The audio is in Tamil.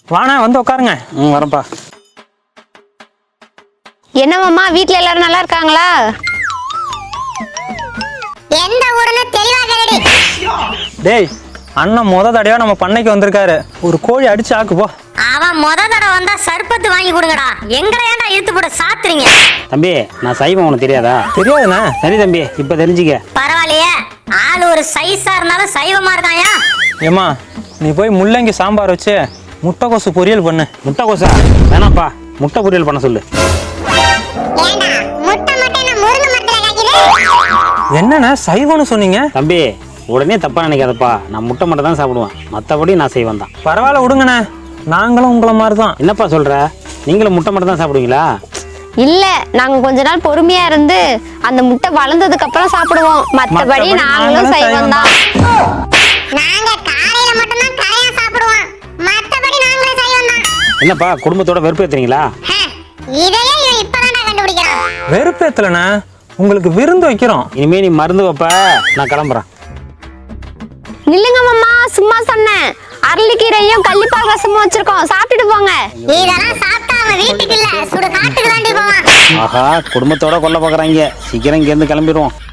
வாண்ணா வந்து உட்காருங்க. வரப்பா. என்னமாம்மா வீட்ல எல்லாரும் நல்லா இருக்காங்களா? எந்த ஊருன்னு தெளிவா கேளுடி. டேய் அண்ணன் தடவையா நம்ம பண்ணைக்கு வந்திருக்காரு. ஒரு கோழி அடிச்சு ஆக்கு போ. அவன் தடவை வந்தா சர்பத்து வாங்கி கொடுங்கடா. எங்கடா ஏன்டா இழுத்து போட்டு சாத்துறீங்க? தம்பி நான் சைவம் உனக்கு தெரியாதா? தெரியாதுண்ணா. சரி தம்பி இப்ப தெரிஞ்சுக்க. பரவாயில்லையே, ஆள் ஒரு சைஸா இருந்தாலும் சைவமா இருக்காயா? ஏமா நீ போய் முள்ளங்கி சாம்பார் வச்சு முட்டைக்கோசு பொரியல் பண்ணு. முட்டைக்கோசா வேணாப்பா, முட்டை பொரியல் பண்ண சொல்லு. ஏண்டா முட்டை மட்டும் என்ன முருங்க மரத்துல காய்க்குது? என்னண்ணா சைவம்னு சொன்னீங்க? தம்பி உடனே தப்பா நினைக்காதப்பா, நான் முட்டை மட்டும் தான் சாப்பிடுவேன், மற்றபடி நான் செய்வேன் தான். பரவாயில்ல விடுங்கண்ணே, நாங்களும் உங்களை மாதிரி தான். என்னப்பா சொல்ற, நீங்களும் முட்டை மட்டும் தான் சாப்பிடுவீங்களா? இல்ல, நாங்க கொஞ்ச நாள் பொறுமையா இருந்து அந்த முட்டை வளர்ந்ததுக்கு அப்புறம் சாப்பிடுவோம். மத்தபடி நாங்களும் சைவம் தான். நாங்க காலையில மட்டும் தான் கரையா சாப்பிடுவோம், மத்தபடி நாங்களும் சைவம் தான். என்னப்பா குடும்பத்தோட வெறுப்பு ஏத்துறீங்களா? இதையே இவன் இப்பதான்டா கண்டுபிடிக்கிறான். வெறுப்பேத்தலண்ணே, உங்களுக்கு விருந்து வைக்கிறோம். இனிமே நீ மருந்து வைப்ப, நான் கிளம்புறேன். நில்லுங்க மாமா, சும்மா சொன்னேன். அரளிக்கீரையும் கள்ளிப்பால் ரசமும் வச்சிருக்கோம், சாப்பிட்டுட்டு போங்க. இதெல்லாம் சாப்பிட்டா அவன் வீட்டுக்கு இல்ல சுடு காட்டுக்கு தாண்டி போவான். ஆஹா குடும்பத்தோட கொல்ல பாக்குறாங்க, சீக்கிரம் இங்க இருந்து கிளம்பிடுவோம்.